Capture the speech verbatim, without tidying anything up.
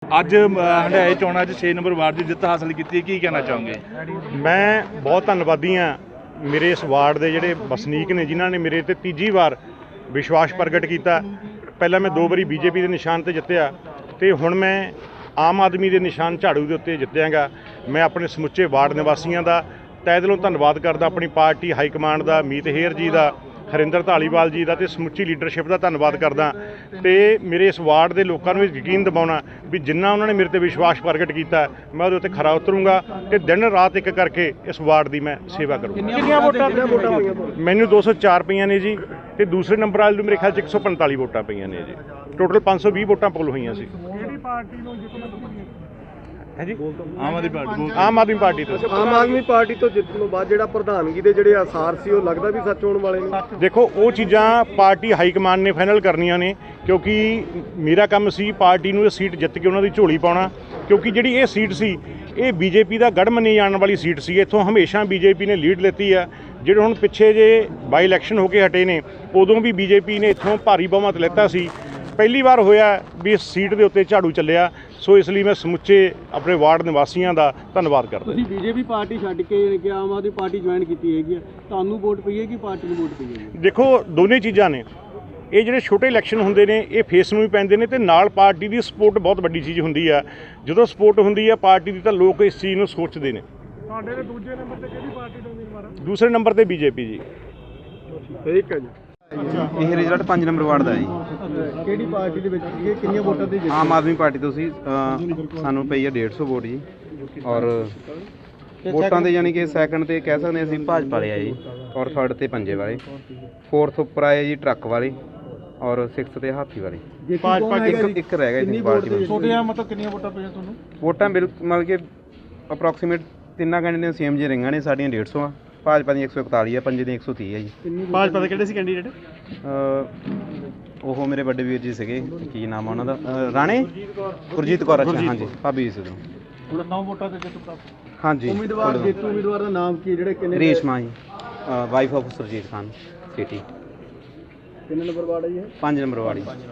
ਅੱਜ ਹੰਡਾਏ ਚੋਣਾਂ 'ਚ ਛੇ ਨੰਬਰ ਵਾਰਡ ਦੀ ਜਿੱਤ ਹਾਸਲ ਕੀਤੀ, ਕੀ ਕਹਿਣਾ ਚਾਹੋਗੇ? ਮੈਂ ਬਹੁਤ ਧੰਨਵਾਦੀ ਹਾਂ ਮੇਰੇ ਇਸ ਵਾਰਡ ਦੇ ਜਿਹੜੇ ਵਸਨੀਕ ਨੇ ਜਿਨ੍ਹਾਂ ਨੇ ਮੇਰੇ ਤੇ ਤੀਜੀ ਵਾਰ ਵਿਸ਼ਵਾਸ ਪ੍ਰਗਟ ਕੀਤਾ। ਪਹਿਲਾਂ ਮੈਂ ਦੋ ਵਾਰੀ ਬੀਜੇਪੀ ਦੇ ਨਿਸ਼ਾਨ ਤੇ ਜਿੱਤਿਆ ਤੇ ਹੁਣ ਮੈਂ ਆਮ ਆਦਮੀ ਦੇ ਨਿਸ਼ਾਨ ਝਾੜੂ ਦੇ ਉੱਤੇ ਜਿੱਤਿਆਂਗਾ। ਮੈਂ ਆਪਣੇ ਸਮੁੱਚੇ ਵਾਰਡ ਨਿਵਾਸੀਆਂ ਦਾ ਤਹਿ ਦਿਲੋਂ ਧੰਨਵਾਦ ਕਰਦਾ, ਆਪਣੀ ਪਾਰਟੀ ਹਾਈ ਕਮਾਂਡ ਦਾ, ਮੀਤ ਹੇਅਰ ਜੀ ਦਾ, ਹਰਿੰਦਰ ਧਾਲੀਵਾਲ ਜੀ ਦਾ ਤੇ ਸਮੁੱਚੀ ਲੀਡਰਸ਼ਿਪ ਦਾ ਧੰਨਵਾਦ ਕਰਦਾ ਤੇ ਮੇਰੇ ਇਸ ਵਾਰਡ ਦੇ ਲੋਕਾਂ ਨੂੰ ਯਕੀਨ ਦਿਵਾਉਣਾ ਵੀ ਜਿੰਨਾ ਉਹਨਾਂ ਨੇ ਮੇਰੇ ਤੇ ਵਿਸ਼ਵਾਸ ਪ੍ਰਗਟ ਕੀਤਾ ਮੈਂ ਉਹਦੇ ਉੱਤੇ ਖਰਾ ਉਤਰੂੰਗਾ ਤੇ ਦਿਨ ਰਾਤ ਇੱਕ ਕਰਕੇ ਇਸ ਵਾਰਡ ਦੀ ਮੈਂ ਸੇਵਾ ਕਰੂੰਗਾ। ਕਿੰਨੀਆਂ ਵੋਟਾਂ ਪਈਆਂ? ਮੈਨੂੰ ਦੋ ਸੌ ਚਾਰ ਪਈਆਂ ਨੇ ਜੀ ਤੇ ਦੂਸਰੇ ਨੰਬਰ ਵਾਲੇ ਨੂੰ ਮੇਰੇ ਖਿਆਲ 'ਚ ਇੱਕ ਸੌ ਪੰਤਾਲੀ ਵੋਟਾਂ ਪਈਆਂ ਨੇ ਜੀ। ਟੋਟਲ ਪੰਜ ਸੌ ਵੀਹ ਵੋਟਾਂ ਪੋਲ ਹੋਈਆਂ ਸੀ। ਕਿਹੜੀ ਪਾਰਟੀ ਨੂੰ ਜਿੱਤਣਾ ਹੈ ਜੀ? ਆਮ ਆਦਮੀ ਪਾਰਟੀ ਆਮ ਆਦਮੀ ਪਾਰਟੀ ਤੋਂ। ਆਮ ਆਦਮੀ ਪਾਰਟੀ ਤੋਂ ਜਿੱਤਣ ਤੋਂ ਬਾਅਦ ਜਿਹੜਾ ਪ੍ਰਧਾਨਗੀ ਦੇ ਜਿਹੜੇ ਆਸਾਰ ਸੀ ਉਹ ਲੱਗਦਾ ਵੀ ਸੱਚ ਹੋਣ ਵਾਲੇ ਨੇ। ਦੇਖੋ ਉਹ ਚੀਜ਼ਾਂ ਪਾਰਟੀ ਹਾਈ ਕਮਾਂਡ ਨੇ ਫਾਈਨਲ ਕਰਨੀਆਂ ਨੇ ਕਿਉਂਕਿ ਮੇਰਾ ਕੰਮ ਸੀ ਪਾਰਟੀ ਨੂੰ ਇਹ ਸੀਟ ਜਿੱਤ ਕੇ ਉਹਨਾਂ ਦੀ ਝੋਲੀ ਪਾਉਣਾ, ਕਿਉਂਕਿ ਜਿਹੜੀ ਇਹ ਸੀਟ ਸੀ ਇਹ ਬੀਜੇਪੀ ਦਾ ਗੜ੍ਹ ਮੰਨੀ ਜਾਣ ਵਾਲੀ ਸੀਟ ਸੀ। ਇੱਥੋਂ ਹਮੇਸ਼ਾ ਬੀਜੇਪੀ ਨੇ ਲੀਡ ਲੈਤੀ ਆ। ਜਿਹੜੇ ਹੁਣ ਪਿੱਛੇ ਜੇ ਬਾਈ ਇਲੈਕਸ਼ਨ ਹੋ ਕੇ ਹਟੇ ਨੇ ਉਦੋਂ ਵੀ ਬੀਜੇਪੀ ਨੇ ਇੱਥੋਂ ਭਾਰੀ ਬਹੁਮਤ ਲੈਤਾ ਸੀ। ਪਹਿਲੀ ਵਾਰ ਹੋਇਆ ਵੀ ਇਸ ਸੀਟ ਦੇ ਉੱਤੇ ਝਾੜੂ ਚੱਲਿਆ, ਸੋ ਇਸ ਲਈ ਮੈਂ ਸਮੁੱਚੇ ਆਪਣੇ ਵਾਰਡ ਨਿਵਾਸੀਆਂ ਦਾ ਧੰਨਵਾਦ ਕਰਦਾ। ਤੁਸੀਂ ਬੀਜੇਪੀ ਪਾਰਟੀ ਛੱਡ ਕੇ ਕਿ ਆਮ ਆਦਮੀ ਪਾਰਟੀ ਜੁਆਇਨ ਕੀਤੀ ਹੈਗੀ ਆ, ਤੁਹਾਨੂੰ ਵੋਟ ਪਈ ਹੈ ਕਿ ਪਾਰਟੀ ਨੂੰ ਵੋਟ ਪਈ ਹੈ? ਦੇਖੋ ਦੋਨੇ ਚੀਜ਼ਾਂ ਨੇ। ਇਹ ਜਿਹੜੇ ਛੋਟੇ ਇਲੈਕਸ਼ਨ ਹੁੰਦੇ ਨੇ ਇਹ ਫੇਸ ਨੂੰ ਵੀ ਪੈਂਦੇ ਨੇ ਤੇ ਨਾਲ ਪਾਰਟੀ ਦੀ ਸਪੋਰਟ ਬਹੁਤ ਵੱਡੀ ਚੀਜ਼ ਹੁੰਦੀ ਆ। ਜਦੋਂ ਸਪੋਰਟ ਹੁੰਦੀ ਆ ਪਾਰਟੀ ਦੀ ਤਾਂ ਲੋਕ ਇਸ ਚੀਜ਼ ਨੂੰ ਸੋਚਦੇ ਨੇ। ਤੁਹਾਡੇ ਦੇ ਦੂਜੇ ਨੰਬਰ ਤੇ ਕਿਹੜੀ ਪਾਰਟੀ ਦਾ ਉਮੀਦਵਾਰ ਹੈ? ਦੂਸਰੇ ਨੰਬਰ ਤੇ ਬੀਜੇਪੀ ਜੀ। ਠੀਕ ਹੈ ਜੀ। ਇਹ ਰਿਜ਼ਲਟ ਪੰਜ ਨੰਬਰ ਵਾਰਡ ਦਾ ਹੈ ਜੀ। ਕਿਹੜੀ ਪਾਰਟੀ ਦੇ ਵਿੱਚ ਸੀਗੇ, ਕਿੰਨੀਆਂ ਵੋਟਾਂ ਦੇ ਜਿੱਤੇ? ਆਮ ਆਦਮੀ ਪਾਰਟੀ ਤੋਂ ਸੀ। ਅ, ਸਾਨੂੰ ਪਈ ਹੈ ਡੇਢ ਸੌ ਵੋਟ ਜੀ ਔਰ ਵੋਟਾਂ ਦੇ ਯਾਨੀ ਕਿ ਸੈਕੰਡ ਤੇ ਕਹਿ ਸਕਦੇ ਅਸੀਂ ਭਾਜਪਾ ਵਾਲੇ ਆ ਜੀ ਔਰ ਥਰਡ ਤੇ ਪੰਜੇ ਵਾਲੇ, ਫੋਰਥ ਉੱਪਰ ਆਏ ਜੀ ਟਰੱਕ ਵਾਲੇ ਔਰ ਸਿਕਸਥ ਤੇ ਹਾਥੀ ਵਾਲੇ। ਭਾਜਪਾ ਇੱਕ ਇੱਕ ਰਹਿ ਗਿਆ ਜੀ ਪਾਰਟੀ ਵਿੱਚ। ਛੋਟੀਆਂ ਮਤਲਬ ਕਿੰਨੀਆਂ ਵੋਟਾਂ ਪਈਆਂ ਤੁਹਾਨੂੰ? ਵੋਟਾਂ ਬਿਲਕੁਲ ਮਤਲਬ ਕਿ ਅਪਰੋਕਸੀਮੇਟ ਤਿੰਨਾਂ ਕੈਂਡੀਡੇਟ ਸੇਮ ਜੇ ਰਹੀਆਂ ਨੇ। ਸਾਡੀਆਂ ਡੇਢ ਸੌ ਆ, ਭਾਜਪਾ ਦੀ ਇੱਕ ਸੌ ਇਕਤਾਲੀ ਆ, ਪੰਜੇ ਦੀ ਇੱਕ ਸੌ ਤੀਹ ਹੈ ਜੀ। ਭਾਜਪਾ ਦੇ ਕਿਹੜੇ ਸੀ ਕੈਂਡੀਡੇਟ? ਉਹ ਮੇਰੇ ਵੱਡੇ ਵੀਰ ਜੀ ਸੀਗੇ, ਕੀ ਨਾਮ ਆ ਉਹਨਾਂ ਦਾ? ਅ, ਰਾਣੇ ਗੁਰਜੀਤ ਕੌਰ। ਅੱਛਾ ਹਾਂਜੀ, ਭਾਬੀ ਜੀ ਸੀ। ਹੁਣ ਨੌ ਵੋਟਾਂ ਤੇ ਜਿੱਤ ਪ੍ਰਾਪਤ। ਹਾਂਜੀ। ਉਮੀਦਵਾਰ ਜੇਤੂ ਉਮੀਦਵਾਰ ਦਾ ਨਾਮ ਕੀ ਜਿਹੜੇ ਕਿੰਨੇ? Reshma ji, wife of Surjit Khan city. ਕਿੰਨੇ ਨੰਬਰ ਵਾਰਡ ਹੈ ਜੀ ਇਹ? ਪੰਜ ਨੰਬਰ ਵਾਲੀ।